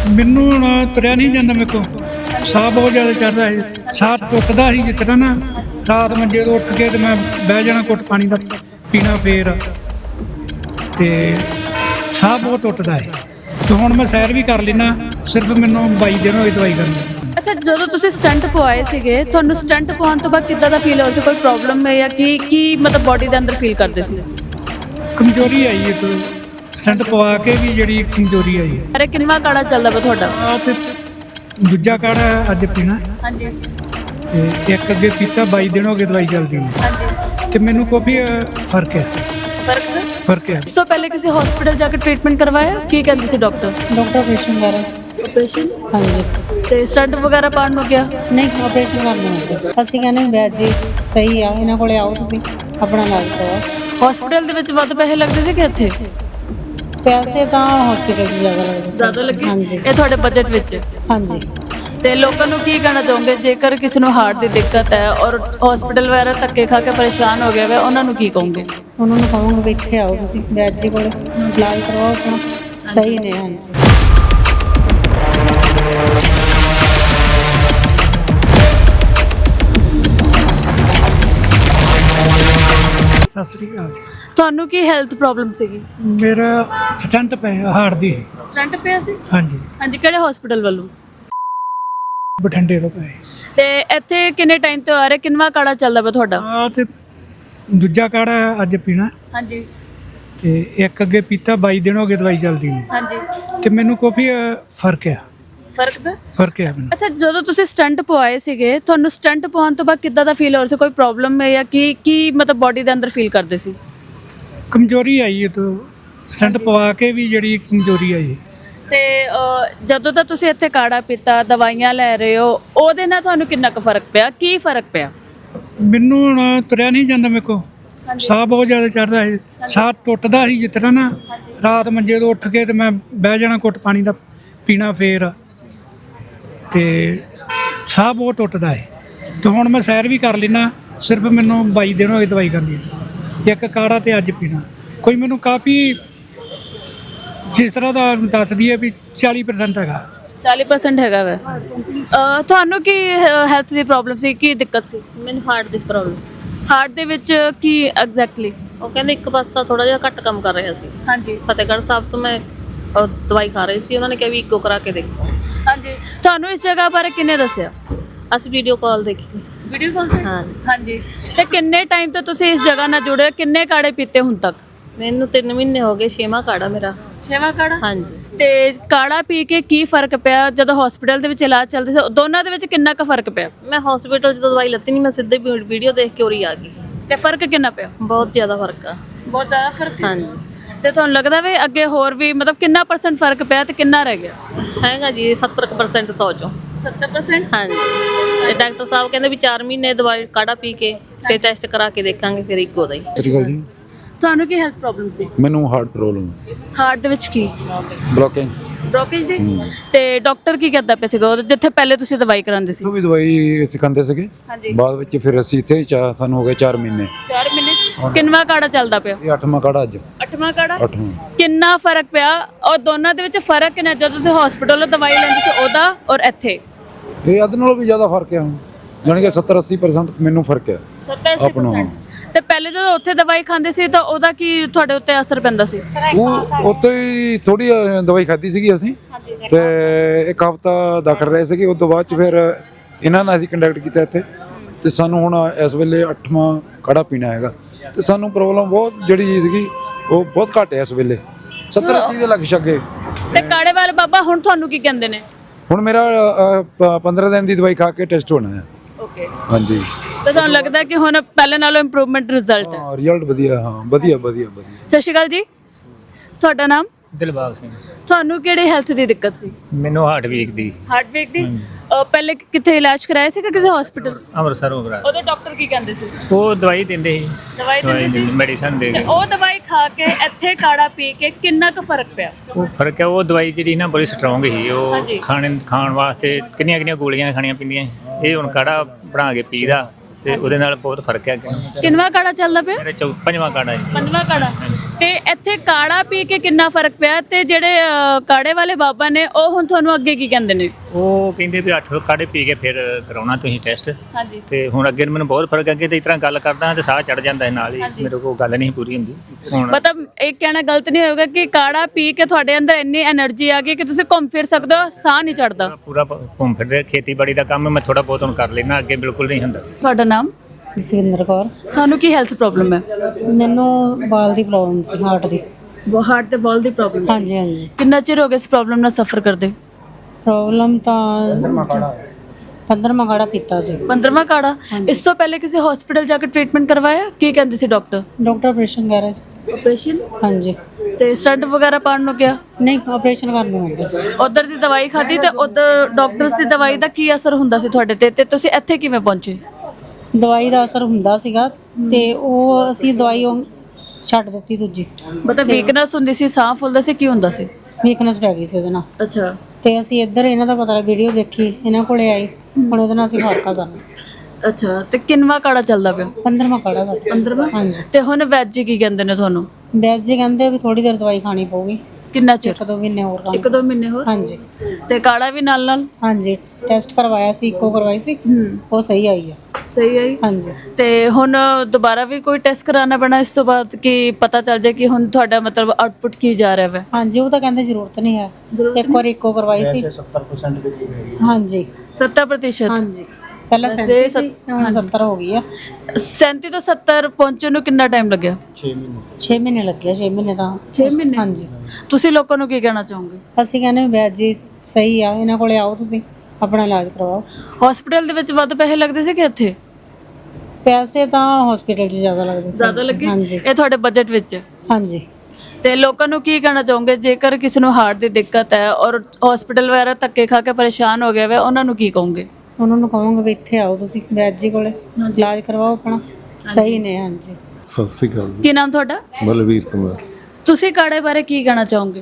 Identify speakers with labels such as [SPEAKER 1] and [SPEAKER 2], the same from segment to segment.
[SPEAKER 1] ਮੈਨੂੰ ਹੁਣ ਤੁਰਿਆ ਨਹੀਂ ਜਾਂਦਾ, ਮੇਰੇ ਕੋਲ ਸਾਹ ਬਹੁਤ ਜ਼ਿਆਦਾ ਚੜ੍ਹਦਾ ਹੈ, ਸਾਹ ਟੁੱਟਦਾ ਸੀ ਜਿਸ ਤਰ੍ਹਾਂ ਨਾ। ਰਾਤ ਮੰਜੇ ਤੋਂ ਉੱਠ ਕੇ ਤੇ ਮੈਂ ਬਹਿ ਜਾਣਾ, ਘੁੱਟ ਪਾਣੀ ਦਾ ਪੀਣਾ, ਫੇਰ ਤੇ ਸਾਹ ਬਹੁਤ ਟੁੱਟਦਾ ਹੈ। ਤੇ ਹੁਣ ਮੈਂ ਸੈਰ ਵੀ ਕਰ ਲੈਣਾ, ਸਿਰਫ ਮੈਨੂੰ 22 ਦਿਨ ਹੋਏ ਦਵਾਈ ਕਰਨ ਨੂੰ।
[SPEAKER 2] ਅੱਛਾ, ਜਦੋਂ ਤੁਸੀਂ ਸਟੰਟ ਪਵਾਏ ਸੀਗੇ, ਤੁਹਾਨੂੰ ਸਟੰਟ ਪਵਾਉਣ ਤੋਂ ਬਾਅਦ ਕਿੱਦਾਂ ਦਾ ਫੀਲ ਹੋ ਰਿਹਾ ਸੀ? ਕੋਈ ਪ੍ਰੋਬਲਮ ਹੈ ਜਾਂ ਕੀ ਮਤਲਬ ਬਾਡੀ ਦੇ ਅੰਦਰ ਫੀਲ ਕਰਦੇ ਸੀ?
[SPEAKER 1] ਕਮਜ਼ੋਰੀ ਆਈ ਹੈ, ਸਟੰਟ ਪਵਾ ਕੇ ਵੀ ਜਿਹੜੀ ਕਮਜ਼ੋਰੀ ਆਈ ਹੈ।
[SPEAKER 2] ਅਰੇ ਕਿੰਨਵਾਂ ਕਾੜਾ ਚੱਲਦਾ ਵਾ ਤੁਹਾਡਾ?
[SPEAKER 1] ਆ ਤੇ ਦੂਜਾ ਕਾੜਾ ਅੱਜ ਪੀਣਾ
[SPEAKER 2] ਹਾਂਜੀ
[SPEAKER 1] ਤੇ ਇੱਕ ਅੱਗੇ ਪੀਤਾ, 22 ਦਿਨ ਹੋ ਗਏ ਦਵਾਈ ਚੱਲਦੀ ਨੂੰ,
[SPEAKER 2] ਹਾਂਜੀ।
[SPEAKER 1] ਤੇ ਮੈਨੂੰ ਕਾਫੀ ਫਰਕ ਹੈ। ਫਰਕ ਹੈ।
[SPEAKER 2] ਇਸ ਤੋਂ ਪਹਿਲੇ ਕਿਸੇ ਹਸਪੀਟਲ ਜਾ ਕੇ ਟ੍ਰੀਟਮੈਂਟ ਕਰਵਾਇਆ? ਕੀ ਕਹਿੰਦੇ ਸੀ ਡਾਕਟਰ?
[SPEAKER 3] ਡਾਕਟਰ ਆਪਰੇਸ਼ਨ ਵਗੈਰਾ
[SPEAKER 2] ਆਪਰੇਸ਼ਨ?
[SPEAKER 3] ਹਾਂਜੀ।
[SPEAKER 2] ਤੇ ਸਟੰਟ ਵਗੈਰਾ ਪਾਉਣ ਨੂੰ ਗਿਆ?
[SPEAKER 3] ਨਹੀਂ, ਆਪਰੇਸ਼ਨ ਕਰਨਾ ਹੁੰਦਾ। ਅਸੀਂ ਕਹਿੰਦੇ ਵੈਦ ਜੀ ਸਹੀ ਆ, ਇਹਨਾਂ ਕੋਲੇ ਆਓ, ਤੁਸੀਂ ਆਪਣਾ ਇਲਾਜ ਕਰਵਾਓ।
[SPEAKER 2] ਹਸਪੀਟਲ ਦੇ ਵਿੱਚ ਵੱਧ ਪੈਸੇ ਲੱਗਦੇ ਸੀ ਕਿ ਇੱਥੇ?
[SPEAKER 3] ਪੈਸੇ ਤਾਂ ਹਸਪੀਟਲ 'ਚ ਜ਼ਿਆਦਾ ਲੱਗਦੇ ਸੀ।
[SPEAKER 2] ਜ਼ਿਆਦਾ ਲੱਗੇ?
[SPEAKER 3] ਹਾਂਜੀ
[SPEAKER 2] ਇਹ ਤੁਹਾਡੇ ਬਜਟ ਵਿੱਚ?
[SPEAKER 3] ਹਾਂਜੀ।
[SPEAKER 2] ਤੇ ਲੋਕਾਂ ਨੂੰ ਕੀ ਕਹਿਣਾ ਚਾਹੋਗੇ ਜੇਕਰ ਕਿਸੇ ਨੂੰ ਹਾਰਟ ਦੀ ਦਿੱਕਤ ਹੈ ਔਰ ਹਸਪੀਟਲ ਵਗੈਰਾ ਧੱਕੇ ਖਾ ਕੇ ਪਰੇਸ਼ਾਨ ਹੋ ਗਿਆ ਵਾ, ਉਹਨਾਂ ਨੂੰ ਕੀ ਕਹੋਗੇ?
[SPEAKER 3] ਉਹਨਾਂ ਨੂੰ ਕਹਾਂਗੇ ਵੀ ਇੱਥੇ ਆਓ, ਤੁਸੀਂ ਵੈਦ ਜੀ ਕੋਲੇ ਇਲਾਜ ਕਰਵਾਓ ਆਪਣਾ, ਸਹੀ ਨੇ। ਹਾਂਜੀ।
[SPEAKER 1] ਸਤਿ ਸ੍ਰੀ ਅਕਾਲ ਜੀ।
[SPEAKER 2] ਤੁਹਾਨੂੰ ਕੀ ਹੈਲਥ ਪ੍ਰੋਬਲਮ ਸੀਗੀ?
[SPEAKER 1] ਮੇਰਾ ਸਟੰਟ ਪਿਆ ਹਾਰਟ ਦੀ।
[SPEAKER 2] ਸਟੰਟ ਪਿਆ ਸੀ?
[SPEAKER 1] ਹਾਂਜੀ,
[SPEAKER 2] ਹਾਂਜੀ। ਕਿਹੜੇ ਹਸਪੀਟਲ ਵੱਲੋਂ?
[SPEAKER 1] ਬਠਿੰਡੇ ਤੋਂ ਪਏ।
[SPEAKER 2] ਤੇ ਇੱਥੇ ਕਿੰਨੇ ਟਾਈਮ ਤੋਂ ਆ ਰਹੇ? ਕਿੰਨਵਾਂ ਕਾੜਾ ਚੱਲਦਾ ਵਾ ਤੁਹਾਡਾ?
[SPEAKER 1] ਆ ਤੇ ਦੂਜਾ ਕਾੜਾ ਅੱਜ ਪੀਣਾ
[SPEAKER 2] ਹਾਂਜੀ
[SPEAKER 1] ਤੇ ਇੱਕ ਅੱਗੇ ਪੀਤਾ, 22 ਦਿਨ ਹੋ ਗਏ ਦਵਾਈ ਚੱਲਦੀ ਨੂੰ,
[SPEAKER 2] ਹਾਂਜੀ।
[SPEAKER 1] ਤੇ ਮੈਨੂੰ ਕਾਫੀ ਫਰਕ ਹੈ।
[SPEAKER 2] ਫਰਕ
[SPEAKER 1] ਹੈ ਮੈਨੂੰ।
[SPEAKER 2] ਅੱਛਾ, ਜਦੋਂ ਤੁਸੀਂ ਸਟੰਟ ਪਵਾਏ ਸੀਗੇ, ਤੁਹਾਨੂੰ ਸਟੰਟ ਪਵਾਉਣ ਤੋਂ ਬਾਅਦ ਕਿੱਦਾਂ ਦਾ ਫੀਲ ਹੋ ਰਿਹਾ ਸੀ? ਕੋਈ ਪ੍ਰੋਬਲਮ ਹੈ ਜਾਂ ਕੀ ਮਤਲਬ ਬਾਡੀ ਦੇ ਅੰਦਰ ਫੀਲ ਕਰਦੇ ਸੀ?
[SPEAKER 1] ਕਮਜ਼ੋਰੀ ਆਈ ਹੈ, ਸਟੰਟ ਪਵਾ ਕੇ ਵੀ ਜਿਹੜੀ ਕਮਜ਼ੋਰੀ ਆਈ ਹੈ।
[SPEAKER 2] ਤੇ ਜਦੋਂ ਤਾਂ ਤੁਸੀਂ ਇੱਥੇ ਕਾੜਾ ਪੀਤਾ, ਦਵਾਈਆਂ ਲੈ ਰਹੇ ਹੋ, ਉਹਦੇ ਨਾਲ ਤੁਹਾਨੂੰ ਕਿੰਨਾ ਕੁ ਫਰਕ ਪਿਆ? ਕੀ ਫਰਕ ਪਿਆ?
[SPEAKER 1] ਮੈਨੂੰ ਹੁਣ ਤੁਰਿਆ ਨਹੀਂ ਜਾਂਦਾ, ਮੇਰੇ ਕੋਲ ਸਾਹ ਬਹੁਤ ਜ਼ਿਆਦਾ ਚੜ੍ਹਦਾ ਹੈ, ਸਾਹ ਟੁੱਟਦਾ ਸੀ ਜਿਸ ਤਰ੍ਹਾਂ ਨਾ। ਰਾਤ ਮੰਜੇ ਤੋਂ ਉੱਠ ਕੇ ਤੇ ਮੈਂ ਬਹਿ ਜਾਣਾ, ਘੁੱਟ ਪਾਣੀ ਦਾ ਪੀਣਾ, ਫੇਰ ਤੇ ਸਾਹ ਬਹੁਤ ਟੁੱਟਦਾ ਹੈ। ਤੇ ਹੁਣ ਮੈਂ ਸੈਰ ਵੀ ਕਰ ਲੈਣਾ, ਸਿਰਫ ਮੈਨੂੰ 22 ਦਿਨ ਹੋਏ ਦਵਾਈ ਕਰਨੀ। ਇੱਕ ਕਾੜਾ ਤੇ ਅੱਜ ਪੀਣਾ ਕੋਈ ਮੈਨੂੰ ਕਾਫੀ ਜਿਸ ਤਰ੍ਹਾਂ ਦਾ ਦੱਸਦੀ ਹੈ ਵੀ 40% ਹੈਗਾ।
[SPEAKER 2] 40% ਹੈਗਾ ਵਾ। ਤੁਹਾਨੂੰ ਕੀ ਹੈਲਥ ਦੀ ਪ੍ਰੋਬਲਮ ਸੀ? ਕੀ ਦਿੱਕਤ ਸੀ?
[SPEAKER 4] ਮੈਨੂੰ ਹਾਰਟ ਦੀ ਪ੍ਰੋਬਲਮ ਸੀ।
[SPEAKER 2] ਹਾਰਟ ਦੇ ਵਿੱਚ ਕੀ ਐਗਜ਼ੈਕਟਲੀ?
[SPEAKER 4] ਉਹ ਕਹਿੰਦੇ ਇੱਕ ਪਾਸਾ ਥੋੜਾ ਜਿਹਾ ਘੱਟ ਕੰਮ ਕਰ ਰਿਹਾ ਸੀ।
[SPEAKER 2] ਹਾਂਜੀ
[SPEAKER 4] ਫਤਿਹਗੜ੍ਹ ਸਾਹਿਬ ਤੋਂ ਮੈਂ ਦਵਾਈ ਖਾ ਰਹੀ ਸੀ, ਉਹਨਾਂ ਨੇ ਕਿਹਾ ਵੀ ਇੱਕੋ ਕਰਾ ਕੇ ਦੇਖੋ।
[SPEAKER 2] ਹਾਂਜੀ। ਤੁਹਾਨੂੰ ਇਸ ਜਗ੍ਹਾ ਬਾਰੇ ਕਿਹਨੇ ਦੱਸਿਆ?
[SPEAKER 4] ਅਸੀਂ ਵੀਡੀਓ ਕਾਲ ਦੇਖੀ।
[SPEAKER 2] ਵੀਡੀਓ ਕਾਲ ਤੇ?
[SPEAKER 4] ਹਾਂ।
[SPEAKER 2] ਹਾਂਜੀ। ਤੇ ਕਿੰਨੇ ਟਾਈਮ ਤੋਂ ਤੁਸੀਂ ਇਸ ਜਗ੍ਹਾ ਨਾਲ ਜੁੜੇ ਹੋ? ਕਿੰਨੇ ਕਾੜੇ ਪੀਤੇ ਹੁਣ ਤੱਕ?
[SPEAKER 4] ਮੈਨੂੰ 3 ਮਹੀਨੇ ਹੋ ਗਏ, 6ਵਾਂ ਕਾੜਾ ਮੇਰਾ।
[SPEAKER 2] 6ਵਾਂ ਕਾੜਾ?
[SPEAKER 4] ਹਾਂਜੀ।
[SPEAKER 2] ਤੇ ਕਾੜਾ ਪੀ ਕੇ ਕੀ ਫਰਕ ਪਿਆ? ਜਦੋਂ ਹਸਪੀਟਲ ਦੇ ਵਿੱਚ ਇਲਾਜ ਚੱਲਦੇ ਸੀ, ਦੋਨਾਂ ਦੇ ਵਿੱਚ ਕਿੰਨਾ ਕੁ ਫਰਕ ਪਿਆ?
[SPEAKER 4] ਮੈਂ ਹਸਪੀਟਲ 'ਚ ਤਾਂ ਦਵਾਈ ਲੱਤੀ ਨਹੀਂ, ਮੈਂ ਸਿੱਧੇ ਵੀਡੀਓ ਦੇਖ ਕੇ ਉਰੀ ਆ ਗਈ।
[SPEAKER 2] ਤੇ ਫਰਕ ਕਿੰਨਾ ਪਿਆ?
[SPEAKER 4] ਬਹੁਤ ਜ਼ਿਆਦਾ ਫਰਕ ਆ।
[SPEAKER 2] ਬਹੁਤ ਜ਼ਿਆਦਾ ਫਰਕ?
[SPEAKER 4] ਹਾਂਜੀ।
[SPEAKER 2] ਤੇ ਤੁਹਾਨੂੰ ਲੱਗਦਾ ਵੀ ਅੱਗੇ ਹੋਰ ਵੀ ਮਤਲਬ ਕਿੰਨਾ % ਫਰਕ ਪਿਆ ਤੇ ਕਿੰਨਾ ਰਹਿ ਗਿਆ?
[SPEAKER 4] ਹੈਗਾ ਜੀ 70% 100 ਚੋਂ।
[SPEAKER 2] 70%?
[SPEAKER 4] ਹਾਂਜੀ। ਤੇ ਡਾਕਟਰ ਸਾਹਿਬ ਕਹਿੰਦੇ ਵੀ 4 ਮਹੀਨੇ ਦਵਾਈ ਕਾੜਾ ਪੀ ਕੇ ਫਿਰ ਟੈਸਟ ਕਰਾ ਕੇ ਦੇਖਾਂਗੇ, ਫਿਰ ਇੱਕੋ ਦਾ ਹੀ।
[SPEAKER 5] ਸਤਿ ਸ਼੍ਰੀ ਅਕਾਲ ਜੀ।
[SPEAKER 2] ਤੁਹਾਨੂੰ ਕੀ ਹੈਲਥ ਪ੍ਰੋਬਲਮ ਸੀ?
[SPEAKER 5] ਮੈਨੂੰ ਹਾਰਟ ਪ੍ਰੋਬਲਮ ਹੈ।
[SPEAKER 2] ਹਾਰਟ ਦੇ ਵਿੱਚ ਕੀ
[SPEAKER 5] ਬਲੋਕਿੰਗ
[SPEAKER 2] ਬਲੋਕੇਜ ਦੀ? ਤੇ ਡਾਕਟਰ ਕੀ ਕਹਿੰਦਾ ਪਿਆ ਸੀਗਾ ਜਿੱਥੇ ਪਹਿਲੇ ਤੁਸੀਂ ਦਵਾਈ ਕਰਾਉਂਦੇ ਸੀ?
[SPEAKER 5] ਤੋਂ ਵੀ ਦਵਾਈ ਸਿਖਾਉਂਦੇ ਸੀਗੇ।
[SPEAKER 2] ਹਾਂਜੀ।
[SPEAKER 5] ਬਾਅਦ ਵਿੱਚ ਫਿਰ ਅਸੀਂ ਇੱਥੇ ਸਾਨੂੰ ਹੋ ਗਏ 4 ਮਹੀਨੇ।
[SPEAKER 2] 4 ਮਹੀਨੇ? ਕਿੰਨਵਾਂ ਕਾੜਾ ਚੱਲਦਾ ਪਿਆ?
[SPEAKER 5] ਇਹ 8ਵਾਂ ਕਾੜਾ ਅੱਜ।
[SPEAKER 2] 8ਵਾਂ ਕਾੜਾ?
[SPEAKER 5] 8ਵਾਂ।
[SPEAKER 2] ਕਿੰਨਾ ਫਰਕ ਪਿਆ? ਔਰ ਦੋਨਾਂ ਦੇ ਵਿੱਚ ਫਰਕ ਕਿੰਨਾ ਜਦੋਂ ਤੁਸੀਂ ਹਸਪੀਟਲੋਂ ਦਵਾਈ ਲੈਂਦੇ ਸੀ ਉਹਦਾ ਔਰ ਇੱਥੇ?
[SPEAKER 5] ਇਹ ਅੱਧ ਨਾਲੋਂ ਵੀ ਜ਼ਿਆਦਾ ਫਰਕ ਹੈ, ਜਾਣੀ ਕਿ 70-80% ਮੈਨੂੰ ਫਰਕ ਹੈ
[SPEAKER 2] 70-80%? ਤੇ ਪਹਿਲੇ ਜਦੋਂ ਉੱਥੇ ਦਵਾਈ ਖਾਂਦੇ ਸੀ ਤਾਂ ਉਹਦਾ ਕੀ ਤੁਹਾਡੇ ਉੱਤੇ ਅਸਰ ਪੈਂਦਾ ਸੀ?
[SPEAKER 5] ਉਹ ਉੱਥੇ ਹੀ ਥੋੜੀ ਦਵਾਈ ਖਾਧੀ ਸੀਗੀ ਅਸੀਂ, ਤੇ ਇੱਕ ਹਫ਼ਤਾ ਦਾਖਲ ਰਹੇ ਸੀਗੇ। ਉਸ ਤੋਂ ਬਾਅਦ ਚ ਫਿਰ ਇਹਨਾਂ ਨਾਲ ਅਸੀਂ ਕੰਟੈਕਟ ਕੀਤਾ ਇੱਥੇ, ਤੇ ਸਾਨੂੰ ਹੁਣ ਇਸ ਵੇਲੇ 8ਵਾਂ ਕਾੜਾ ਪੀਣਾ ਹੈਗਾ। ਤੇ ਸਾਨੂੰ ਪ੍ਰੋਬਲਮ ਬਹੁਤ ਜਿਹੜੀ ਸੀਗੀ ਉਹ ਬਹੁਤ ਘੱਟ ਹੈ ਇਸ ਵੇਲੇ, 70-80 ਦੇ ਲੱਗ ਛੱਗੇ।
[SPEAKER 2] ਤੇ ਕਾੜੇ ਵਾਲੇ ਬਾਬਾ ਹੁਣ ਤੁਹਾਨੂੰ ਕੀ ਕਹਿੰਦੇ ਨੇ?
[SPEAKER 5] ਹੁਣ ਮੇਰਾ 15 ਦਿਨ ਦੀ ਦਵਾਈ ਖਾ ਕੇ ਟੈਸਟ ਹੋਣਾ ਹੈ।
[SPEAKER 2] ਓਕੇ।
[SPEAKER 5] ਹਾਂਜੀ।
[SPEAKER 2] ਤਾਂ ਤੁਹਾਨੂੰ ਲੱਗਦਾ ਕਿ ਹੁਣ ਪਹਿਲੇ ਨਾਲੋਂ ਇੰਪਰੂਵਮੈਂਟ ਰਿਜ਼ਲਟ ਹੈ?
[SPEAKER 5] ਹਾਂ, ਰਿਜ਼ਲਟ ਵਧੀਆ। ਹਾਂ, ਵਧੀਆ ਵਧੀਆ ਵਧੀਆ।
[SPEAKER 2] ਸਤਿ ਸ਼੍ਰੀ ਅਕਾਲ ਜੀ। ਤੁਹਾਡਾ ਨਾਮ?
[SPEAKER 6] ਦਿਲਬਾਗ ਸਿੰਘ।
[SPEAKER 2] ਤੁਹਾਨੂੰ ਕਿਹੜੀ ਹੈਲਥ ਦੀ ਦਿੱਕਤ ਸੀ?
[SPEAKER 6] ਮੈਨੂੰ ਹਾਰਟ ਵੀਕ ਦੀ।
[SPEAKER 2] ਹਾਰਟ ਵੀਕ ਦੀ? ਪਹਿਲੇ ਕਿੱਥੇ ਇਲਾਜ ਕਰਾਇਆ ਸੀਗਾ ਕਿਸੇ ਹਸਪੀਟਲ?
[SPEAKER 6] ਅੰਮ੍ਰਿਤਸਰ ਉਬਰਾ।
[SPEAKER 2] ਉਹਦੇ ਡਾਕਟਰ ਕੀ ਕਹਿੰਦੇ ਸੀ?
[SPEAKER 6] ਉਹ ਦਵਾਈ ਦਿੰਦੇ ਸੀ।
[SPEAKER 2] ਦਵਾਈ ਦਿੰਦੇ ਸੀ?
[SPEAKER 6] ਮੈਡੀਸਨ ਦੇ
[SPEAKER 2] ਤੇ
[SPEAKER 6] ਕੇ।
[SPEAKER 2] ਉਹ ਦਵਾਈ ਖਾ ਕੇ ਇੱਥੇ ਕਾੜਾ ਪੀ ਕੇ ਕਿੰਨਾ ਕੁ ਫਰਕ ਪਿਆ?
[SPEAKER 6] ਉਹ ਫਰਕ ਹੈ, ਉਹ ਦਵਾਈ ਜਿਹੜੀ ਨਾ ਬੜੀ ਸਟਰੋਂਗ ਸੀ।
[SPEAKER 2] ਹਾਂਜੀ।
[SPEAKER 6] ਉਹ ਖਾਣ ਵਾਸਤੇ ਕਿੰਨੀਆਂ ਗੋਲੀਆਂ ਖਾਣੀਆਂ ਪੈਂਦੀਆਂ। ਇਹ ਹੁਣ ਕਾੜਾ ਬਣਾ ਕੇ ਪੀਦਾ ਤੇ ਉਹਦੇ ਨਾਲ ਬਹੁਤ ਫਰਕ ਹੈ।
[SPEAKER 2] ਕਿੰਨਵਾਂ ਕਾੜਾ ਚੱਲਦਾ ਪਿਆ?
[SPEAKER 6] ਮੇਰੇ 5ਵਾਂ ਕਾੜਾ ਹੈ।
[SPEAKER 2] 5ਵਾਂ ਕਾੜਾ? ਤੇ ਇੱਥੇ ਕਾੜਾ ਪੀ ਕੇ ਕਿੰਨਾ ਫਰਕ ਪਿਆ ਤੇ ਜਿਹੜੇ ਕਾੜੇ ਵਾਲੇ ਬਾਬਾ ਨੇ ਉਹ ਹੁਣ ਤੁਹਾਨੂੰ ਅੱਗੇ ਕੀ ਕਹਿੰਦੇ ਨੇ?
[SPEAKER 6] ਉਹ ਕਹਿੰਦੇ ਵੀ 8 ਕਾੜੇ ਪੀ ਕੇ ਫਿਰ ਕਰਾਉਣਾ ਤੁਸੀਂ ਟੈਸਟ।
[SPEAKER 2] ਹਾਂਜੀ।
[SPEAKER 6] ਤੇ ਹੁਣ ਅੱਗੇ ਮੈਨੂੰ ਬਹੁਤ ਫਰਕ ਅੱਗੇ ਤੇ ਇਸ ਤਰ੍ਹਾਂ ਗੱਲ ਕਰਦਾ ਤੇ ਸਾਹ ਚੜ ਜਾਂਦਾ ਹੈ ਨਾਲ ਹੀ, ਮੇਰੇ ਕੋਲ ਗੱਲ ਨਹੀਂ ਪੂਰੀ ਹੁੰਦੀ ਹੁਣ।
[SPEAKER 2] ਮਤਲਬ ਇਹ ਕਹਿਣਾ ਗਲਤ ਨਹੀਂ ਹੋਏਗਾ ਕਿ ਕਾੜਾ ਪੀ ਕੇ ਤੁਹਾਡੇ ਅੰਦਰ ਇੰਨੀ એનર્ਜੀ ਆ ਗਈ ਕਿ ਤੁਸੀਂ ਘੁੰਮ ਫਿਰ ਸਕਦੇ ਹੋ, ਸਾਹ ਨਹੀਂ ਚੜਦਾ?
[SPEAKER 6] ਪੂਰਾ ਘੁੰਮ ਫਿਰਦੇ ਖੇਤੀਬਾੜੀ ਦਾ ਕੰਮ ਮੈਂ ਥੋੜਾ ਬਹੁਤ ਹੁਣ ਕਰ ਲੈਣਾ, ਅੱਗੇ ਬਿਲਕੁਲ ਨਹੀਂ ਹੁੰਦਾ।
[SPEAKER 2] ਤੁਹਾਡਾ ਨਾਮ?
[SPEAKER 3] ਜਸਵਿੰਦਰ ਕੌਰ।
[SPEAKER 2] ਤੁਹਾਨੂੰ ਕੀ ਹੈਲਥ ਪ੍ਰੋਬਲਮ ਹੈ?
[SPEAKER 3] ਮੈਨੂੰ ਬਾਲ ਦੀ ਪ੍ਰੋਬਲਮ ਸੀ, ਹਾਰਟ ਦੀ।
[SPEAKER 2] ਹਾਰਟ ਤੇ ਬਾਲ ਦੀ ਪ੍ਰੋਬਲਮ?
[SPEAKER 3] ਹਾਂਜੀ ਹਾਂਜੀ।
[SPEAKER 2] ਕਿੰਨਾ ਚਿਰ ਹੋ ਗਿਆ ਇਸ ਪ੍ਰੋਬਲਮ ਨਾਲ ਸਫਰ ਕਰਦੇ?
[SPEAKER 3] ਪ੍ਰੋਬਲਮ ਤਾਂ 15ਵਾਂ ਕਾੜਾ ਪੀਤਾ ਸੀ।
[SPEAKER 2] 15ਵਾਂ ਕਾੜਾ? ਇਸ ਤੋਂ ਪਹਿਲੇ ਕਿਸੇ ਹਸਪੀਟਲ ਜਾ ਕੇ ਟ੍ਰੀਟਮੈਂਟ ਕਰਵਾਇਆ? ਕੀ ਕਹਿੰਦੇ ਸੀ ਡਾਕਟਰ?
[SPEAKER 3] ਡਾਕਟਰ ਆਪਰੇਸ਼ਨ ਕਰ ਰਹੇ ਸੀ।
[SPEAKER 2] ਆਪਰੇਸ਼ਨ?
[SPEAKER 3] ਹਾਂਜੀ।
[SPEAKER 2] ਤੇ ਸਟੰਟ ਵਗੈਰਾ ਪਾਉਣ ਨੂੰ ਕਿਹਾ?
[SPEAKER 3] ਨਹੀਂ, ਆਪਰੇਸ਼ਨ ਕਰਨ ਨੂੰ ਕਹਿੰਦੇ ਸੀ।
[SPEAKER 2] ਉਧਰ ਦੀ ਦਵਾਈ ਖਾਧੀ ਤੇ ਉਧਰ ਡਾਕਟਰਸ ਦੀ ਦਵਾਈ ਦਾ ਕੀ ਅਸਰ ਹੁੰਦਾ ਸੀ ਤੁਹਾਡੇ ਤੇ ਤੁਸੀਂ ਇੱਥੇ ਕਿਵੇਂ ਪਹੁੰਚੇ?
[SPEAKER 3] ਦਵਾਈ ਦਾ ਅਸਰ ਹੁੰਦਾ ਸੀਗਾ ਤੇ ਉਹ ਅਸੀਂ ਦਵਾਈ ਉਹ ਛੱਡ ਦਿੱਤੀ ਦੂਜੀ।
[SPEAKER 2] ਮਤਲਬ ਵੀਕਨੈਸ ਹੁੰਦੀ ਸੀ, ਸਾਹ ਫੁੱਲਦਾ ਸੀ, ਕੀ ਹੁੰਦਾ ਸੀ?
[SPEAKER 3] ਵੀਕਨੈਸ ਪੈ ਗਈ ਸੀ ਉਹਦੇ ਨਾਲ।
[SPEAKER 2] ਅੱਛਾ।
[SPEAKER 3] ਤੇ ਅਸੀਂ ਇੱਧਰ ਇਹਨਾਂ ਦਾ ਪਤਾ ਵੀਡੀਓ ਦੇਖੀ, ਇਹਨਾਂ ਕੋਲੇ ਆਈ, ਹੁਣ ਇਹਦੇ ਨਾਲ ਅਸੀਂ ਫਰਕ ਆ ਸਾਨੂੰ।
[SPEAKER 2] ਅੱਛਾ। ਤੇ ਕਿੰਨਵਾ ਕਾੜਾ ਚੱਲਦਾ ਪਿਆ?
[SPEAKER 3] 15ਵਾਂ ਕਾੜਾ ਸਾਡਾ।
[SPEAKER 2] 15ਵਾਂ?
[SPEAKER 3] ਹਾਂਜੀ।
[SPEAKER 2] ਤੇ ਹੁਣ ਵੈਜ ਜੀ ਕੀ ਕਹਿੰਦੇ ਨੇ ਤੁਹਾਨੂੰ?
[SPEAKER 3] ਵੈਦ ਜੀ ਕਹਿੰਦੇ ਵੀ ਥੋੜੀ ਦੇਰ ਦਵਾਈ ਖਾਣੀ ਪਊਗੀ।
[SPEAKER 2] ਕਿੰਨਾ ਚਿਰ?
[SPEAKER 3] 1-2 ਮਹੀਨੇ ਹੋਰ ਖਾਣੀ।
[SPEAKER 2] 1-2 ਮਹੀਨੇ ਹੋਰ?
[SPEAKER 3] ਹਾਂਜੀ।
[SPEAKER 2] ਤੇ ਕਾੜਾ ਵੀ ਨਾਲ ਨਾਲ?
[SPEAKER 3] ਹਾਂਜੀ, ਟੈਸਟ ਕਰਵਾਇਆ ਸੀ, ਇੱਕੋ ਕਰਵਾਈ ਸੀ, ਉਹ ਸਹੀ ਆਈ ਆ।
[SPEAKER 2] ਸਹੀ ਹੈ।
[SPEAKER 3] ਹਾਂਜੀ।
[SPEAKER 2] ਤੇ ਹੁਣ ਦੁਬਾਰਾ ਵੀ ਕੋਈ ਟੈਸਟ ਕਰਾਉਣਾ ਪੈਣਾ ਇਸ ਤੋਂ ਬਾਅਦ ਕਿ ਪਤਾ ਚੱਲ ਜਾਏ ਕਿ ਹੁਣ ਤੁਹਾਡਾ ਮਤਲਬ ਆਊਟਪੁੱਟ ਕੀ ਜਾ ਰਿਹਾ ਹੈ?
[SPEAKER 3] ਹਾਂਜੀ, ਉਹ ਤਾਂ ਕਹਿੰਦੇ ਜ਼ਰੂਰਤ ਨਹੀਂ ਹੈ। ਇੱਕ ਵਾਰ ਇੱਕੋ ਕਰਵਾਈ ਸੀ।
[SPEAKER 6] 70% ਦੇ ਕਰੀਬ।
[SPEAKER 3] ਹਾਂਜੀ।
[SPEAKER 2] 70%?
[SPEAKER 3] ਹਾਂਜੀ। ਪਹਿਲਾਂ 37 ਸੀ, ਹੁਣ 70 ਹੋ ਗਈ ਆ।
[SPEAKER 2] 37 ਤੋਂ 70 ਪਹੁੰਚਣ ਨੂੰ ਕਿੰਨਾ ਟਾਈਮ ਲੱਗਿਆ?
[SPEAKER 3] 6 ਮਹੀਨੇ ਲੱਗਿਆ। 6 ਮਹੀਨੇ ਤਾਂ।
[SPEAKER 2] 6 ਮਹੀਨੇ?
[SPEAKER 3] ਹਾਂਜੀ।
[SPEAKER 2] ਤੁਸੀਂ ਲੋਕਾਂ ਨੂੰ ਕੀ ਕਹਿਣਾ ਚਾਹੋਗੇ?
[SPEAKER 3] ਅਸੀਂ ਕਹਿੰਦੇ ਵੈਦ ਜੀ ਸਹੀ ਆ, ਇਹਨਾਂ ਕੋਲੇ ਆਓ, ਤੁਸੀਂ ਆਪਣਾ ਇਲਾਜ ਕਰਵਾਓ।
[SPEAKER 2] ਹਸਪੀਟਲ ਦੇ ਵਿੱਚ ਵੱਧ ਪੈਸੇ ਲੱਗਦੇ ਸੀ ਕਿ ਇੱਥੇ?
[SPEAKER 3] ਪੈਸੇ ਤਾਂ ਹਸਪੀਟਲ 'ਚ ਜ਼ਿਆਦਾ ਲੱਗਦੇ ਸੀ।
[SPEAKER 2] ਜ਼ਿਆਦਾ ਲੱਗੇ?
[SPEAKER 3] ਹਾਂਜੀ।
[SPEAKER 2] ਇਹ ਤੁਹਾਡੇ ਬਜਟ ਵਿੱਚ?
[SPEAKER 3] ਹਾਂਜੀ।
[SPEAKER 2] ਤੇ ਲੋਕਾਂ ਨੂੰ ਕੀ ਕਹਿਣਾ ਚਾਹੋਗੇ ਜੇਕਰ ਕਿਸੇ ਨੂੰ ਹਾਰਟ ਦੀ ਦਿੱਕਤ ਹੈ ਔਰ ਹਸਪੀਟਲ ਵਗੈਰਾ ਧੱਕੇ ਖਾ ਕੇ ਪਰੇਸ਼ਾਨ ਹੋ ਗਿਆ ਵੇ, ਉਹਨਾਂ ਨੂੰ ਕੀ ਕਹੋਗੇ?
[SPEAKER 3] ਉਹਨਾਂ ਨੂੰ ਕਹਾਂਗੇ ਵੀ ਇੱਥੇ ਆਓ, ਤੁਸੀਂ ਵੈਦ ਜੀ ਕੋਲੇ ਇਲਾਜ ਕਰਵਾਓ ਆਪਣਾ, ਸਹੀ ਨੇ। ਹਾਂਜੀ।
[SPEAKER 7] ਸਤਿ ਸ਼੍ਰੀ ਅਕਾਲ ਜੀ।
[SPEAKER 2] ਕੀ ਨਾਮ ਤੁਹਾਡਾ?
[SPEAKER 7] ਬਲਵੀਰ ਕੁਮਾਰ।
[SPEAKER 2] ਤੁਸੀਂ ਕਾੜੇ ਬਾਰੇ ਕੀ ਕਹਿਣਾ ਚਾਹੋਗੇ?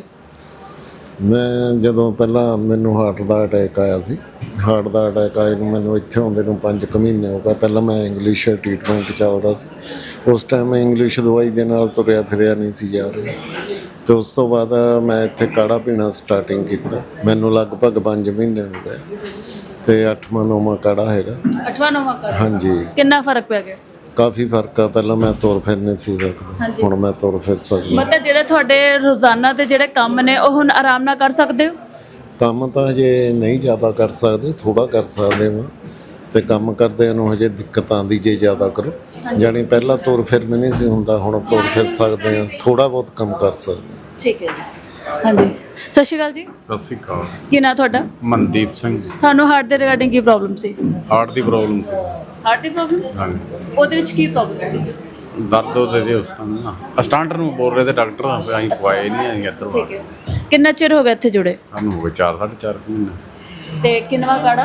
[SPEAKER 7] ਮੈਂ ਜਦੋਂ ਪਹਿਲਾਂ ਮੈਨੂੰ ਹਾਰਟ ਦਾ ਅਟੈਕ ਆਇਆ ਸੀ, ਹਾਰਟ ਦਾ ਅਟੈਕ ਆਏ ਨੂੰ ਮੈਨੂੰ ਇੱਥੇ ਆਉਂਦੇ ਨੂੰ 5 ਮਹੀਨੇ ਹੋ ਗਏ। ਪਹਿਲਾਂ ਮੈਂ ਇੰਗਲਿਸ਼ ਟ੍ਰੀਟਮੈਂਟ ਚੱਲਦਾ ਸੀ, ਉਸ ਟਾਈਮ ਮੈਂ ਇੰਗਲਿਸ਼ ਦਵਾਈ ਦੇ ਨਾਲ ਤੁਰਿਆ ਫਿਰਿਆ ਨਹੀਂ ਸੀ ਜਾ ਰਿਹਾ। ਅਤੇ ਉਸ ਤੋਂ ਬਾਅਦ ਮੈਂ ਇੱਥੇ ਕਾੜਾ ਪੀਣਾ ਸਟਾਰਟਿੰਗ ਕੀਤਾ, ਮੈਨੂੰ ਲਗਭਗ 5 ਮਹੀਨੇ ਹੋ ਗਏ ਅਤੇ 8ਵਾਂ-9ਵਾਂ ਕਾੜਾ ਹੈਗਾ।
[SPEAKER 2] 8ਵਾਂ-9ਵਾਂ ਕਾੜਾ?
[SPEAKER 7] ਹਾਂਜੀ।
[SPEAKER 2] ਕਿੰਨਾ ਫਰਕ ਪੈ ਗਿਆ?
[SPEAKER 7] ਕਾਫੀ ਫਰਕ ਆ। ਪਹਿਲਾਂ ਮੈਂ ਤੁਰ ਫਿਰ ਨਹੀਂ ਸੀ ਸਕਦਾ, ਹੁਣ ਮੈਂ ਤੁਰ ਫਿਰ ਸਕਦਾ।
[SPEAKER 2] ਮਤਲਬ ਜਿਹੜੇ ਤੁਹਾਡੇ ਰੋਜ਼ਾਨਾ ਦੇ ਜਿਹੜੇ ਕੰਮ ਨੇ ਉਹ ਹੁਣ ਆਰਾਮ ਨਾਲ ਕਰ ਸਕਦੇ ਹੋ?
[SPEAKER 7] ਕੰਮ ਤਾਂ ਹਜੇ ਨਹੀਂ ਜ਼ਿਆਦਾ ਕਰ ਸਕਦੇ, ਥੋੜ੍ਹਾ ਕਰ ਸਕਦੇ ਹਾਂ। ਅਤੇ ਕੰਮ ਕਰਦਿਆਂ ਨੂੰ ਹਜੇ ਦਿੱਕਤ ਆਉਂਦੀ ਜੇ ਜ਼ਿਆਦਾ ਕਰੋ। ਜਾਣੀ ਪਹਿਲਾਂ ਤੁਰ ਫਿਰ ਵੀ ਨਹੀਂ ਸੀ ਹੁੰਦਾ, ਹੁਣ ਤੁਰ ਫਿਰ ਸਕਦੇ ਹਾਂ, ਥੋੜ੍ਹਾ ਬਹੁਤ ਕੰਮ ਕਰ ਸਕਦੇ ਹਾਂ।
[SPEAKER 2] ਠੀਕ ਹੈ ਜੀ। ਹਾਂਜੀ, ਸਤਿ ਸ਼੍ਰੀ ਅਕਾਲ ਜੀ।
[SPEAKER 8] ਸਤਿ ਸ਼੍ਰੀ ਅਕਾਲ।
[SPEAKER 2] ਕੀ ਨਾਂ ਤੁਹਾਡਾ?
[SPEAKER 8] ਮਨਦੀਪ ਸਿੰਘ।
[SPEAKER 2] ਤੁਹਾਨੂੰ ਹਾਰਟ ਦੇ ਰਿਗਾਰਡਿੰਗ ਕੀ ਪ੍ਰੋਬਲਮ ਸੀ?
[SPEAKER 8] ਹਾਰਟ ਦੀ ਪ੍ਰੋਬਲਮ ਸੀ।
[SPEAKER 2] ਹਾਰਟ ਦੀ ਪ੍ਰੋਬਲਮ?
[SPEAKER 8] ਹਾਂਜੀ।
[SPEAKER 2] ਉਹਦੇ ਵਿੱਚ ਕੀ ਪ੍ਰੋਬਲਮ ਸੀ?
[SPEAKER 8] ਦਰਦ ਉਹਦੇ ਦੇ ਉਸ ਟਾਈਮ ਨਾ ਸਟਾਂਡਰ ਨੂੰ ਬੋਲ ਰਹੇ ਤੇ ਡਾਕਟਰ ਅਸੀਂ ਪਵਾਏ ਨਹੀਂ ਆਏ ਇੱਧਰ।
[SPEAKER 2] ਠੀਕ ਹੈ। ਕਿੰਨਾ ਚਿਰ ਹੋ ਗਿਆ ਇੱਥੇ ਜੁੜੇ?
[SPEAKER 8] ਸਾਨੂੰ ਹੋ ਗਏ 4-4.5 ਮਹੀਨੇ।
[SPEAKER 2] ਤੇ ਕਿੰਨਵਾ ਕਾੜਾ?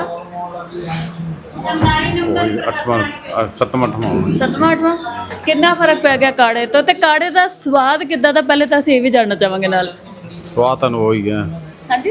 [SPEAKER 8] 8ਵਾਂ 7ਵਾਂ
[SPEAKER 2] 8ਵਾਂ? ਕਿੰਨਾ ਫਰਕ ਪੈ ਗਿਆ ਕਾੜੇ ਤੋਂ? ਤੇ ਕਾੜੇ ਦਾ ਸਵਾਦ ਕਿੱਦਾਂ ਦਾ ਪਹਿਲੇ ਤਾਂ ਅਸੀਂ ਇਹ ਵੀ ਜਾਣਨਾ ਚਾਹਾਂਗੇ ਨਾਲ।
[SPEAKER 8] ਸਵਾਦ ਤਾਂ ਹੋ ਹੀ ਗਿਆ।
[SPEAKER 2] ਹਾਂਜੀ।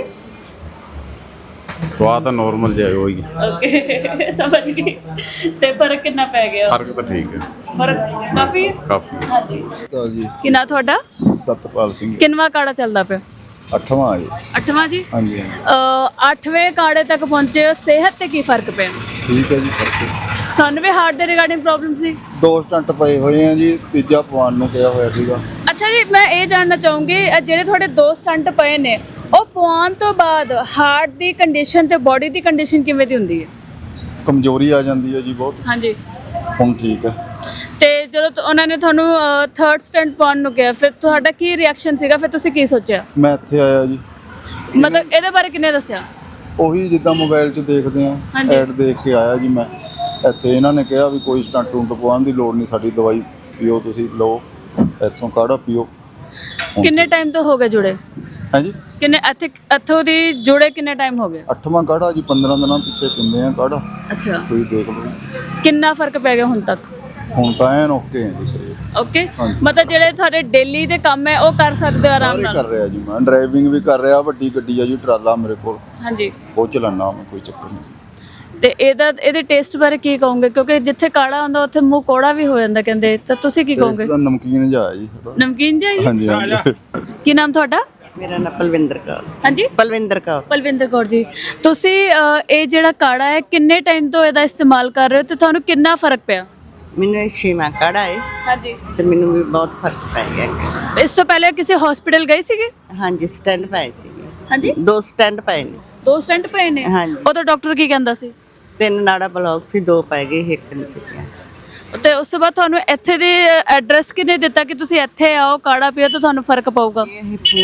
[SPEAKER 8] ਸਵਾਦ ਤਾਂ ਨੋਰਮਲ ਜਿਹਾ ਹੋ ਹੀ ਗਿਆ।
[SPEAKER 2] ਓਕੇ, ਸਮਝ ਗਈ। ਤੇ ਫਰਕ ਕਿੰਨਾ ਪੈ ਗਿਆ?
[SPEAKER 8] ਫਰਕ ਤਾਂ ਠੀਕ ਹੈ,
[SPEAKER 2] ਫਰਕ ਕਾਫੀ?
[SPEAKER 8] ਕਾਫੀ।
[SPEAKER 2] ਹਾਂਜੀ। ਕੀ ਨਾਂ ਤੁਹਾਡਾ?
[SPEAKER 9] ਸਤਪਾਲ ਸਿੰਘ।
[SPEAKER 2] ਕਿੰਨਵਾ ਕਾੜਾ ਚੱਲਦਾ ਪਿਆ?
[SPEAKER 9] 8ਵਾਂ ਜੀ।
[SPEAKER 2] 8ਵਾਂ ਜੀ?
[SPEAKER 9] ਹਾਂਜੀ।
[SPEAKER 2] 8ਵੇਂ ਕਾੜੇ ਤੱਕ ਪਹੁੰਚੇ ਹੋ, ਸਿਹਤ ਤੇ ਕੀ ਫਰਕ ਪਿਆ?
[SPEAKER 9] ਠੀਕ ਹੈ ਜੀ, ਫਰਕ।
[SPEAKER 2] ਤੁਹਾਨੂੰ ਵੀ ਹਾਰਟ ਦੇ ਰਿਗਾਰਡਿੰਗ ਪ੍ਰੋਬਲਮ ਸੀ?
[SPEAKER 9] 2 ਸਟੰਟ ਪਏ ਹੋਏ ਆ ਜੀ, ਤੀਜਾ ਪਵਾਉਣ ਨੂੰ ਕਿਹਾ ਹੋਇਆ ਸੀਗਾ।
[SPEAKER 2] ਅੱਛਾ ਜੀ, ਮੈਂ ਇਹ ਜਾਣਨਾ ਚਾਹੂੰਗੀ ਜਿਹੜੇ ਤੁਹਾਡੇ 2 ਸਟੰਟ ਪਏ ਨੇ ਉਹ ਪਵਾਉਣ ਤੋਂ ਬਾਅਦ ਹਾਰਟ ਦੀ ਕੰਡੀਸ਼ਨ ਤੇ ਬਾਡੀ ਦੀ ਕੰਡੀਸ਼ਨ ਕਿਵੇਂ ਦੀ ਹੁੰਦੀ ਹੈ?
[SPEAKER 9] ਕਮਜ਼ੋਰੀ ਆ ਜਾਂਦੀ ਹੈ ਜੀ ਬਹੁਤ।
[SPEAKER 2] ਹਾਂਜੀ।
[SPEAKER 9] ਹੁਣ ਠੀਕ ਹੈ।
[SPEAKER 2] ਤੇ ਜਦੋਂ ਉਹਨਾਂ ਨੇ ਤੁਹਾਨੂੰ 3rd ਸਟੰਟ ਪਾਉਣ ਨੂੰ ਕਿਹਾ, ਫਿਰ ਤੁਹਾਡਾ ਕੀ ਰਿਐਕਸ਼ਨ ਸੀਗਾ? ਫਿਰ ਤੁਸੀਂ ਕੀ ਸੋਚਿਆ?
[SPEAKER 9] ਮੈਂ ਇੱਥੇ ਆਇਆ ਜੀ।
[SPEAKER 2] ਮਤਲਬ ਇਹਦੇ ਬਾਰੇ ਕਿੰਨੇ ਦੱਸਿਆ?
[SPEAKER 9] ਉਹੀ ਜਿੱਦਾਂ ਮੋਬਾਈਲ 'ਚ ਦੇਖਦੇ ਆ, ਐਡ ਦੇਖ ਕੇ ਆਇਆ ਜੀ ਮੈਂ ਇੱਥੇ। ਇਹਨਾਂ ਨੇ ਕਿਹਾ ਵੀ ਕੋਈ ਸਟੰਟ ਟੂੰਟ ਪਵਾਉਣ ਦੀ ਲੋੜ ਨਹੀਂ, ਸਾਡੀ ਦਵਾਈ ਪੀਓ, ਤੁਸੀਂ ਲਓ ਇੱਥੋਂ ਕਾੜਾ ਪੀਓ।
[SPEAKER 2] ਕਿੰਨੇ ਟਾਈਮ ਤੋਂ ਹੋ ਗਏ ਜੁੜੇ?
[SPEAKER 9] ਹਾਂਜੀ।
[SPEAKER 2] ਕਿੰਨੇ ਇੱਥੋਂ ਦੀ ਜੁੜੇ ਕਿੰਨੇ ਟਾਈਮ ਹੋ ਗਿਆ?
[SPEAKER 9] 8ਵਾਂ ਕਾੜਾ ਜੀ, 15 ਦਿਨਾਂ ਪਿੱਛੇ ਪੀਂਦੇ ਆ ਕਾੜਾ।
[SPEAKER 2] ਅੱਛਾ।
[SPEAKER 9] ਤੁਸੀਂ ਦੇਖ ਲਓ
[SPEAKER 2] ਕਿੰਨਾ ਫਰਕ ਪੈ ਗਿਆ ਹੁਣ ਤੱਕ?
[SPEAKER 9] ਹੁਣ ਤਾਂ ਐਨ ਓਕੇ ਹੈ ਜੀ ਸਰੀਰ।
[SPEAKER 2] ਓਕੇ। ਮਤਲਬ ਜਿਹੜੇ ਤੁਹਾਡੇ ਡੇਲੀ ਦੇ ਕੰਮ ਹੈ ਉਹ ਕਰ ਸਕਦੇ ਹੋ ਆਰਾਮ ਨਾਲ?
[SPEAKER 9] ਕਰ ਰਿਹਾ ਜੀ, ਮੈਂ ਡਰਾਈਵਿੰਗ ਵੀ ਕਰ ਰਿਹਾ। ਵੱਡੀ ਗੱਡੀ ਆ ਜੀ, ਟਰਾਲਾ ਮੇਰੇ ਕੋਲ।
[SPEAKER 2] ਹਾਂਜੀ।
[SPEAKER 9] ਉਹ ਚਲਾਉਣਾ ਮੈਂ, ਕੋਈ ਚੱਕਰ ਨਹੀਂ।
[SPEAKER 2] ਤੇ ਇਹਦੇ ਟੇਸਟ ਬਾਰੇ ਕੀ ਕਹੋਗੇ, ਕਿਉਂਕਿ ਜਿੱਥੇ ਕਾੜਾ ਹੁੰਦਾ ਉੱਥੇ ਮੂੰਹ ਕੋੜਾ ਵੀ ਹੋ ਜਾਂਦਾ ਕਹਿੰਦੇ, ਤਾਂ ਤੁਸੀਂ ਕੀ ਕਹੋਗੇ?
[SPEAKER 9] ਇਹਦਾ ਨਮਕੀਨ ਜਿਹਾ ਹੈ ਜੀ ਥੋੜ੍ਹਾ।
[SPEAKER 2] ਨਮਕੀਨ ਜਿਹਾ ਜੀ?
[SPEAKER 9] ਹਾਂਜੀ ਹਾਂਜੀ।
[SPEAKER 2] ਕੀ ਨਾਮ ਤੁਹਾਡਾ?
[SPEAKER 10] ਮੇਰਾ ਨਾਮ ਪਲਵਿੰਦਰ ਕੌਰ।
[SPEAKER 2] ਹਾਂਜੀ,
[SPEAKER 10] ਪਲਵਿੰਦਰ ਕੌਰ।
[SPEAKER 2] ਪਲਵਿੰਦਰ ਕੌਰ ਜੀ, ਤੁਸੀਂ ਇਹ ਜਿਹੜਾ ਕਾੜਾ ਹੈ ਕਿੰਨੇ ਟਾਈਮ ਤੋਂ ਇਹਦਾ ਇਸਤੇਮਾਲ ਕਰ ਰਹੇ ਹੋ ਤੇ ਤੁਹਾਨੂੰ ਕਿੰਨਾ ਫਰਕ ਪਿਆ?
[SPEAKER 10] ਮੈਨੂੰ ਇਹ 6ਵਾਂ ਕਾੜਾ ਹੈ
[SPEAKER 2] ਹਾਂਜੀ।
[SPEAKER 10] ਤੇ ਮੈਨੂੰ ਵੀ ਬਹੁਤ ਫਰਕ ਪੈ ਗਿਆ।
[SPEAKER 2] ਇਸ ਤੋਂ ਪਹਿਲੇ ਕਿਸੇ ਹਸਪੀਟਲ ਗਏ ਸੀਗੇ?
[SPEAKER 10] ਹਾਂਜੀ, ਸਟੈਂਡ ਪਾਏ ਸੀ।
[SPEAKER 2] ਹਾਂਜੀ,
[SPEAKER 10] 2 ਸਟੈਂਡ ਪਏ ਨੇ।
[SPEAKER 2] 2 ਸਟੈਂਟ ਪਏ ਨੇ?
[SPEAKER 10] ਹਾਂਜੀ।
[SPEAKER 2] ਉਹ ਤਾਂ ਡਾਕਟਰ ਕੀ ਕਹਿੰਦਾ ਸੀ?
[SPEAKER 10] 3 ਨਾੜਾ ਬਲੌਕ ਸੀ, 2 ਪੈ ਗਏ, 1 ਨਹੀਂ ਸੀ ਪਿਆ।
[SPEAKER 2] ਤੇ ਉਸ ਤੋਂ ਬਾਅਦ ਤੁਹਾਨੂੰ ਇੱਥੇ ਦੇ ਐਡਰੈਸ ਕਿਹਨੇ ਦਿੱਤਾ ਕਿ ਤੁਸੀਂ ਇੱਥੇ ਆਓ ਕਾੜਾ ਪੀਓ ਤਾਂ ਤੁਹਾਨੂੰ ਫਰਕ ਪਊਗਾ?
[SPEAKER 10] ਇਹ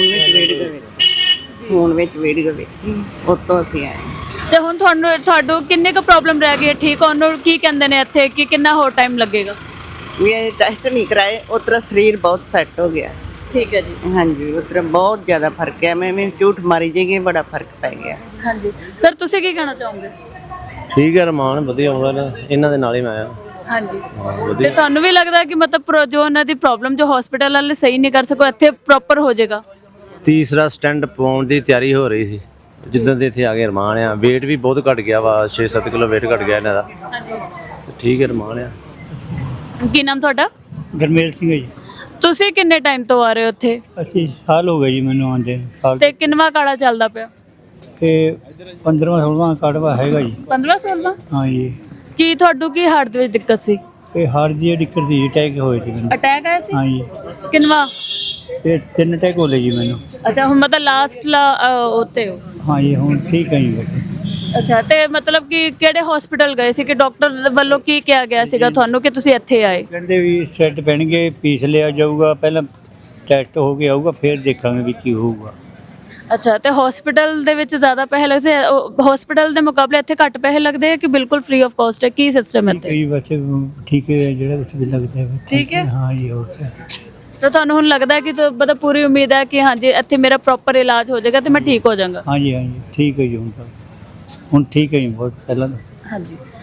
[SPEAKER 10] ਫੋਨ ਵਿੱਚ ਵੀਡੀਓ ਵੇਖੀ, ਉੱਤੋਂ ਅਸੀਂ ਆਏ।
[SPEAKER 2] ਤੇ ਹੁਣ ਤੁਹਾਨੂੰ ਕਿੰਨੇ ਕੁ ਪ੍ਰੋਬਲਮ ਰਹਿ ਗਈ ਹੈ ਠੀਕ ਹੋਣ ਨੂੰ? ਕੀ ਕਹਿੰਦੇ ਨੇ ਇੱਥੇ ਕਿ ਕਿੰਨਾ ਹੋਰ ਟਾਈਮ ਲੱਗੇਗਾ?
[SPEAKER 10] ਵੀ ਇਹ ਟੈਸਟ ਨਹੀਂ ਕਰਾਏ, ਉਤਰਾ ਸਰੀਰ ਬਹੁਤ ਸੈੱਟ ਹੋ ਗਿਆ।
[SPEAKER 2] ਠੀਕ ਹੈ ਜੀ।
[SPEAKER 10] ਹਾਂਜੀ, ਉਤਰਾ ਬਹੁਤ ਜ਼ਿਆਦਾ ਫਰਕ ਹੈ। ਮੈਂ ਝੂਠ ਮਾਰੀ ਜਾਈਏ, ਬੜਾ ਫਰਕ ਪੈ ਗਿਆ।
[SPEAKER 2] ਹਾਂਜੀ ਸਰ, ਤੁਸੀਂ ਕੀ ਕਹਿਣਾ ਚਾਹੋਗੇ?
[SPEAKER 11] ਠੀਕ ਹੈ, ਰਮਾਨ ਵਧੀਆ ਆਉਂਦਾ ਨਾ, ਇਹਨਾਂ ਦੇ ਨਾਲ ਹੀ ਮੈਂ ਆਇਆ।
[SPEAKER 2] ਹਾਂਜੀ, ਤੇ ਤੁਹਾਨੂੰ ਵੀ ਲੱਗਦਾ ਕਿ ਮਤਲਬ ਜੋ ਉਹਨਾਂ ਦੀ ਪ੍ਰੋਬਲਮ ਜੋ ਹਸਪੀਟਲ ਵਾਲੇ ਸਹੀ ਨਹੀਂ ਕਰ ਸਕੋ ਇੱਥੇ ਪ੍ਰੋਪਰ ਹੋ ਜਾਏਗਾ?
[SPEAKER 11] ਤੀਸਰਾ ਸਟੈਂਡ ਪਾਉਣ ਦੀ ਤਿਆਰੀ ਹੋ ਰਹੀ ਸੀ ਜਿੱਦਾਂ ਦੇ ਇੱਥੇ ਆ ਕੇ ਰਮਾਨ ਆ। weight ਵੀ ਬਹੁਤ ਘਟ ਗਿਆ ਵਾ, 6-7 ਕਿਲੋ weight ਘਟ ਗਿਆ ਇਹਨਾਂ ਦਾ। ਹਾਂਜੀ, ਠੀਕ ਹੈ, ਰਮਾਨ ਆ।
[SPEAKER 2] ਕੀ ਨਾਮ ਤੁਹਾਡਾ?
[SPEAKER 12] ਗਰਮੇਲ ਸਿੰਘ ਜੀ।
[SPEAKER 2] ਤੁਸੀਂ ਕਿੰਨੇ ਟਾਈਮ ਤੋਂ ਆ ਰਹੇ ਹੋ ਇੱਥੇ?
[SPEAKER 12] ਅਸੀਂ ਸਾਲ ਹੋ ਗਏ ਜੀ ਮੈਨੂੰ ਆਉਂਦੇ ਸਾਲ।
[SPEAKER 2] ਤੇ ਕਿੰਨਵਾ ਕਾੜਾ ਚੱਲਦਾ ਪਿਆ?
[SPEAKER 12] ਤੇ 15ਵਾਂ ਕਾੜਵਾ ਹੈਗਾ ਜੀ।
[SPEAKER 2] 15-16?
[SPEAKER 12] ਹਾਂ ਜੀ।
[SPEAKER 2] ਕੀ ਤੁਹਾਨੂੰ ਕੀ ਹਾਰਟ ਦੇ ਵਿੱਚ ਦਿੱਕਤ ਸੀ?
[SPEAKER 12] ਇਹ ਹਾਰਟ ਦੀ ਦਿੱਕਤ ਸੀ, ਅਟੈਕ ਹੋਏ ਸੀ ਮੈਨੂੰ।
[SPEAKER 2] ਅਟੈਕ ਆਇਆ ਸੀ?
[SPEAKER 12] ਹਾਂ ਜੀ।
[SPEAKER 2] ਕਿੰਨਵਾ?
[SPEAKER 12] ਇਹ 3 ਅਟੈਕ ਹੋ ਲਏ ਜੀ ਮੈਨੂੰ।
[SPEAKER 2] ਅੱਛਾ, ਹੁਣ ਮਤਲਬ ਲਾਸਟ ਉੱਤੇ ਹੋ?
[SPEAKER 12] ਹਾਂ ਜੀ, ਹੁਣ ਠੀਕ ਹੈ ਜੀ ਬਸ।
[SPEAKER 2] ਅੱਛਾ, ਤੇ ਮਤਲਬ ਕਿ ਕਿਹੜੇ ਹਸਪੀਟਲ ਗਏ ਸੀ ਕਿ ਡਾਕਟਰ ਵੱਲੋਂ ਕੀ ਕਿਹਾ ਗਿਆ ਸੀਗਾ ਤੁਹਾਨੂੰ ਕਿ ਤੁਸੀਂ ਇੱਥੇ ਆਏ?
[SPEAKER 12] ਕਹਿੰਦੇ ਵੀ ਸੈੱਟ ਪੈਣਗੇ, ਪੀਸ ਲਿਆ ਜਾਊਗਾ, ਪਹਿਲਾਂ ਟੈਸਟ ਹੋ ਕੇ ਆਊਗਾ, ਫਿਰ ਦੇਖਾਂਗੇ ਵੀ ਕੀ ਹੋਊਗਾ।
[SPEAKER 2] ਅੱਛਾ, ਤੇ ਹਸਪੀਟਲ ਦੇ ਵਿੱਚ ਜ਼ਿਆਦਾ ਪੈਸੇ ਲੱਗਦੇ? ਹਸਪੀਟਲ ਦੇ ਮੁਕਾਬਲੇ ਇੱਥੇ ਘੱਟ ਪੈਸੇ ਲੱਗਦੇ ਆ ਕਿ ਬਿਲਕੁਲ ਫ੍ਰੀ ਆਫ ਕਾਸਟ ਹੈ? ਕੀ ਸਿਸਟਮ ਹੈ ਇੱਥੇ?
[SPEAKER 12] ਕਈ ਬੱਚੇ ਠੀਕ ਹੈ, ਜਿਹੜਾ ਕੁਛ ਵੀ ਲੱਗਦਾ ਹੈ
[SPEAKER 2] ਠੀਕ ਹੈ।
[SPEAKER 12] ਹਾਂ ਜੀ, ਹੋ ਗਿਆ।
[SPEAKER 2] ਤਾਂ ਤੁਹਾਨੂੰ ਹੁਣ ਲੱਗਦਾ ਹੈ ਕਿ ਮਤਲਬ ਪੂਰੀ ਉਮੀਦ ਹੈ ਕਿ ਹਾਂਜੀ ਇੱਥੇ ਮੇਰਾ ਪ੍ਰੋਪਰ ਇਲਾਜ ਹੋ ਜਾਏਗਾ ਤੇ ਮੈਂ ਠੀਕ ਹੋ ਜਾਵਾਂਗਾ?
[SPEAKER 12] ਹਾਂ ਜੀ, ਹਾਂ ਜੀ, ਠੀਕ ਹੈ ਜੀ। ਹੁਣ ਠੀਕ ਹੈ ਜੀ, ਬਹੁਤ ਪਹਿਲਾਂ।
[SPEAKER 2] ਹਾਂਜੀ।